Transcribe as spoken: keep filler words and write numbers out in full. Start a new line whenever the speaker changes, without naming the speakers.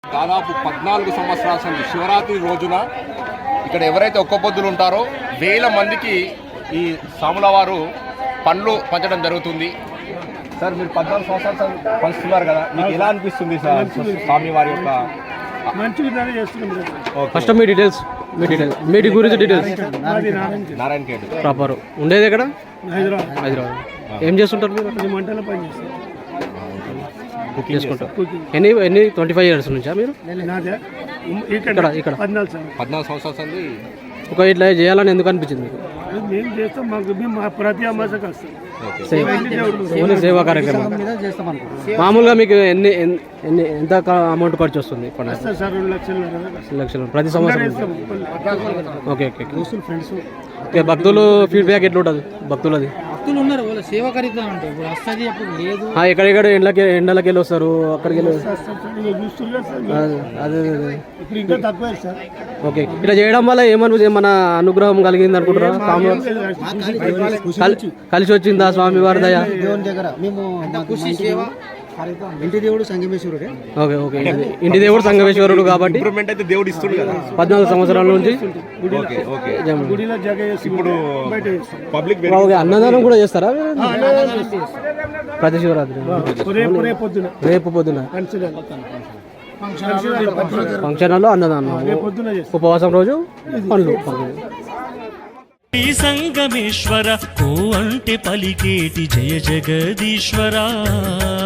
దాదాపు పద్నాలుగు సంవత్సరాల సంది శివరాత్రి రోజున ఇక్కడ ఎవరైతే ఒక్క పొద్దులు ఉంటారో వేల మందికి ఈ సాముల వారు పండ్లు పంచడం జరుగుతుంది. సార్ మీరు పద్నాలుగు సంవత్సరాలు పంచుతున్నారు కదా, మీకు ఎలా అనిపిస్తుంది సార్ స్వామి వారి యొక్క?
మంచి విధానం చేస్తున్నాం.
ఫస్ట్ మీ డీటెయిల్స్ మీ డీటెయిల్స్ మీ గురించి డీటెయిల్స్.
నారాయణ ఖేడ్
ప్రాపర్ ఉండేది ఎక్కడ?
హైదరాబాద్.
హైదరాబాద్. ఏం చేస్తుంటారు మీరు?
మంటల పని చేస్తాం,
కుకింగ్ చేసుకుంటారు. ఎన్ని ఎన్ని ట్వంటీ ఫైవ్ ఇయర్స్ నుంచా మీరు ఇక్కడ? ఇక్కడ
పద్నాలుగు సంవత్సరాల సంది.
ఒక ఇట్లా చేయాలని ఎందుకు అనిపించింది మీకు?
మేము చేస్తాం, మాకు మా ప్రతి అమాసకు వస్తాం.
ఓన్లీ సేవా కార్యక్రమం. మామూలుగా మీకు ఎన్ని ఎన్ని ఎంత అమౌంట్ ఖర్చు వస్తుంది?
సార్ రెండు లక్షలు
లక్షలు ప్రతి సంవత్సరం. Okay okay
friends.
ఓకే భక్తులు ఫీడ్బ్యాక్ ఎట్లా ఉంటుంది భక్తులది?
భక్తులు ఉన్నారు, వాళ్ళ సేవా కార్యక్రమం అంటే ఇప్పుడు వస్తుంది అప్పుడు లేదు.
ఎక్కడెక్కడ ఎండలకి ఎండలకి వెళ్ళి వస్తారు, అక్కడికి వెళ్ళి. అదే అదే
ఇప్పుడు ఇంకా తక్కువ సార్.
ఓకే ఇట్లా చేయడం వల్ల ఏమని మన అనుగ్రహం కలిగింది అనుకుంటారా? కలిసి వచ్చిందా స్వామి వారి దయ?
దేవుని దగ్గర మేము ఇంటి దేవుడు సంగమేశ్వరుడే.
ఓకే ఓకే ఇంటి దేవుడు సంగమేశ్వరుడు కాబట్టి
ఇంప్రూవ్మెంట్ అయితే దేవుడు ఇస్తుంది కదా
పద్నాలుగు సంవత్సరాల నుంచి.
ఇప్పుడు పబ్లిక్
అన్నదానం కూడా చేస్తారా ప్రతి శివరాత్రి? రేపు పొద్దున ఫంక్షన్ హాల్లో అన్నదానం, ఉపవాసం రోజు పండ్లు.
సంగమేశ్వర ఓ అంటే పలికేటి జయ జగదీశ్వరా.